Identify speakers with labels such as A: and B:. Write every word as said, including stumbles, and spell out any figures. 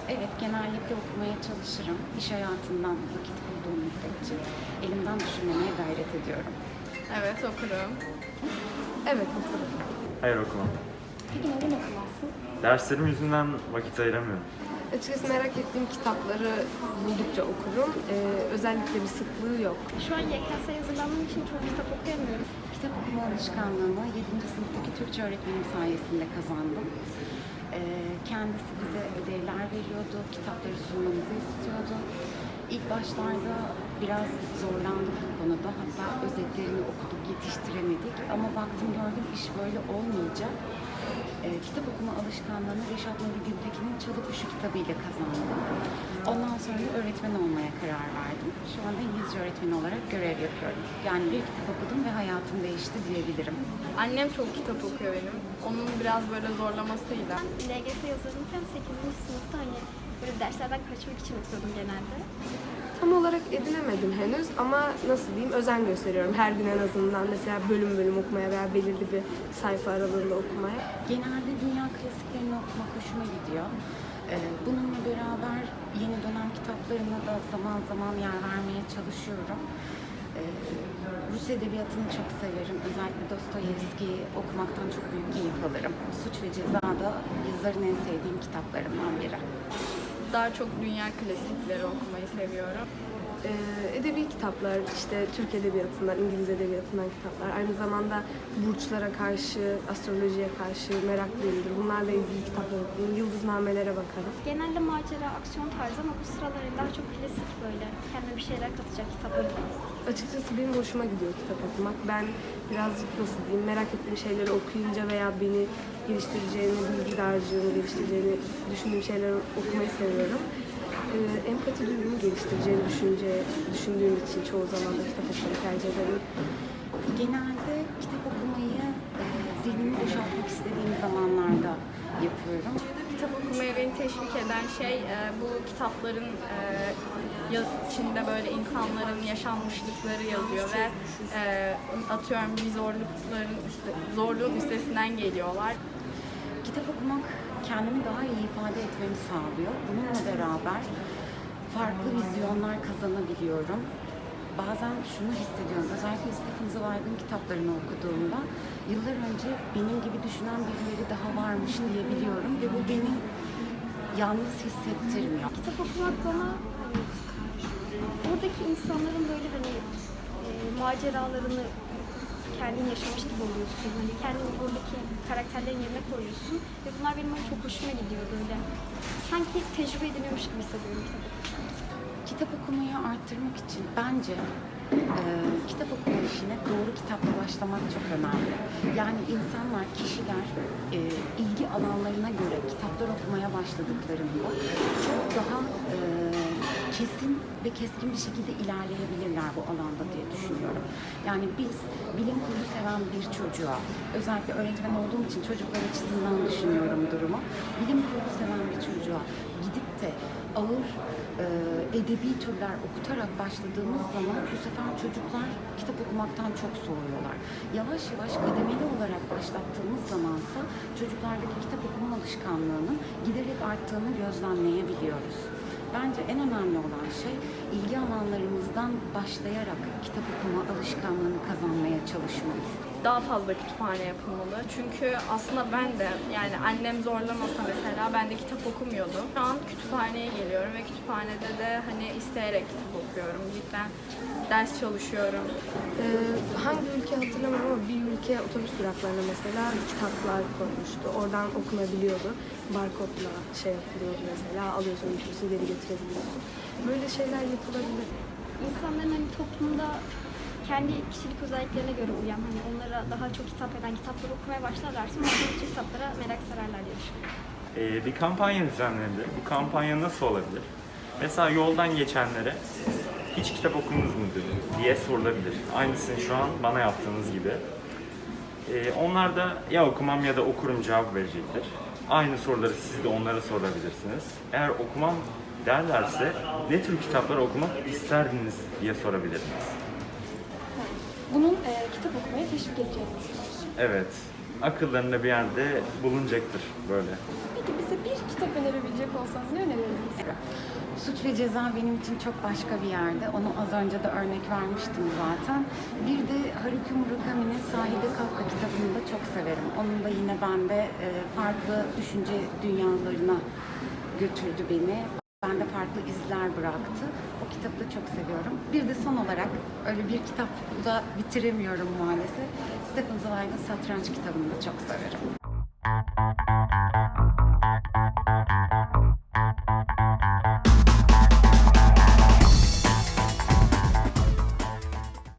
A: Evet, genellikle okumaya çalışırım. İş hayatından vakit bulduğum müddetçe elimden düşürmemeye gayret ediyorum.
B: Evet, okurum. Evet, okurum.
C: Hayır, okumam.
D: Peki neden okumazsın?
C: Derslerim yüzünden vakit ayıramıyorum.
B: Açıkçası merak ettiğim kitapları buldukça okurum. Ee, özellikle bir sıklığı yok.
D: Şu an Y K S'ye hazırlandığım için çok kitap okuyamıyorum.
A: Kitap okuma alışkanlığını yedinci sınıftaki Türkçe öğretmenim sayesinde kazandım. Ee, kendisi bize ödevler veriyordu, kitapları sunmamızı istiyordu. İlk başlarda biraz zorlandık bu konuda, hatta özetlerini okuduk, yetiştiremedik. Ama baktım gördüm iş böyle olmayacak. Ee, kitap okuma alışkanlığını Reşat Nuri Güntekin'in Çalı Kuşu kitabıyla kazandım. Ondan sonra öğretmen olmaya karar verdim. Şu anda İngilizce öğretmeni olarak görev yapıyorum. Yani bir kitap okudum ve hayatım değişti diyebilirim.
B: Annem çok kitap okuyor benim. Onun biraz böyle zorlamasıyla.
D: Ben L G S hazırlanırken sekizinci sınıfta hani böyle derslerden kaçmak için okuyordum genelde.
E: Tam olarak edinemedim henüz ama nasıl diyeyim özen gösteriyorum her gün en azından mesela bölüm bölüm okumaya veya belirli bir sayfa aralığında okumaya.
A: Genelde dünya klasiklerini okumak hoşuma gidiyor. Ee, bununla beraber yeni dönem kitaplarına da zaman zaman yer vermeye çalışıyorum. Ee, Rus edebiyatını çok severim. Özellikle Dostoyevski'yi okumaktan çok büyük keyif alırım. Suç ve Ceza da yazarın en sevdiğim kitaplarımdan biri.
B: Daha çok dünya klasikleri okumayı seviyorum.
E: Ee, edebi kitaplar, işte Türk edebiyatından, İngiliz edebiyatından kitaplar. Aynı zamanda burçlara karşı, astrolojiye karşı meraklıyımdır. Bunlarla ilgili kitaplar okurum, yıldıznamelere bakarım.
D: Genelde macera, aksiyon tarzı ama bu sıralar daha çok klasik böyle kendime bir şeyler katacak kitaplar.
E: Açıkçası benim hoşuma gidiyor kitap okumak. Ben birazcık nasıl diyeyim, merak ettiğim şeyleri okuyunca veya beni geliştireceğini, bilgi dağarcığını geliştireceğini düşündüğüm şeyleri okumayı seviyorum. Ee, empati duygumu geliştireceğini düşünce, düşündüğüm için çoğu zaman da kitap okumayı tercih ederim.
A: Genelde kitap okumayı e, zihnimi boşaltmak istediğim zamanlarda yapıyorum.
B: Kitap okumaya beni teşvik eden şey e, bu kitapların e, ya- içinde böyle insanların yaşanmışlıkları yazıyor ve e, atıyorum bir zorlukların üste, zorluğun üstesinden geliyorlar.
A: Kitap okumak kendimi daha iyi ifade etmemi sağlıyor. Bununla beraber farklı vizyonlar kazanabiliyorum. Bazen şunu hissediyorum, özellikle Stephen Zweig'in kitaplarını okuduğumda yıllar önce benim gibi düşünen birileri daha varmış diyebiliyorum ve bu beni yalnız hissettirmiyor.
D: Kitap okumak bana hani, oradaki insanların böyle hani e, maceralarını kendin yaşamış gibi oluyorsun. Hani kendini oradaki karakterlerin yerine koyuyorsun ve bunlar benim hani çok hoşuma gidiyor böyle. Sanki tecrübe ediliyormuş gibi hissediyorum kitap okurken.
A: Kitap okumayı arttırmak için bence e, kitap okuma işine doğru kitapla başlamak çok önemli. Yani insanlar, kişiler e, ilgi alanlarına göre kitaplar okumaya başladıklarında çok daha e, kesin ve keskin bir şekilde ilerleyebilirler bu alanda diye düşünüyorum. Yani biz bilim kurgu seven bir çocuğa, özellikle öğretmen olduğum için çocuklar açısından düşünüyorum durumu. Bilim kurgu seven bir çocuğa gidip de ağır e, edebi türler okutarak başladığımız zaman bu sefer çocuklar kitap okumaktan çok soğuyorlar. Yavaş yavaş kademeli olarak başlattığımız zamansa çocuklardaki kitap okuma alışkanlığının giderek arttığını gözlemleyebiliyoruz. Bence en önemli olan şey ilgi alanlarımızdan başlayarak kitap okuma alışkanlığını kazanmaya çalışmamız.
B: Daha fazla kütüphane yapılmalı. Çünkü aslında ben de yani annem zorlamasa mesela ben de kitap okumuyordum. Şu an kütüphaneye geliyorum ve kütüphanede de hani isteyerek kitap okuyorum. Cidden ders çalışıyorum.
E: Ee, hangi ülke hatırlamıyorum ama bir ülke otobüs duraklarına mesela kitaplar koymuştu. Oradan okunabiliyordu. Barkodla şey yapılıyordu mesela. Alıyorsun, götürüyorsun, geri getirebiliyorsun. Böyle şeyler yapılabilir.
D: İnsanların hani toplumda kendi kişilik özelliklerine göre uyan, hani onlara daha çok hitap eden kitapları okumaya başlarlarsa onların kitaplara merak sararlar diye düşünüyorum.
C: Ee, bir kampanya düzenlendi. Bu kampanya nasıl olabilir? Mesela yoldan geçenlere hiç kitap okudunuz mu diye sorulabilir. Aynısını şu an bana yaptığınız gibi. Ee, onlar da ya okumam ya da okurum cevap verecektir. Aynı soruları siz de onlara sorabilirsiniz. Eğer okumam derlerse ne tür kitaplar okumak isterdiniz diye sorabilirsiniz.
D: Bunun e, kitap okumaya teşvik edeceğini düşünüyorsun.
C: Evet, akıllarında bir yerde bulunacaktır böyle.
D: Peki bize bir kitap önerebilecek olsanız ne önerirdiniz?
A: öykü. Suç ve Ceza benim için çok başka bir yerde. Onu az önce de örnek vermiştim zaten. Bir de Haruki Murakami'nin Sahide Kafka kitabını da çok severim. Onun da yine bende e, farklı düşünce dünyalarına götürdü beni. Bende farklı izler bıraktı. O kitabı da çok seviyorum. Bir de son olarak öyle bir kitapla bitiremiyorum maalesef. Stefan Zweig'in Satranç kitabını da çok severim.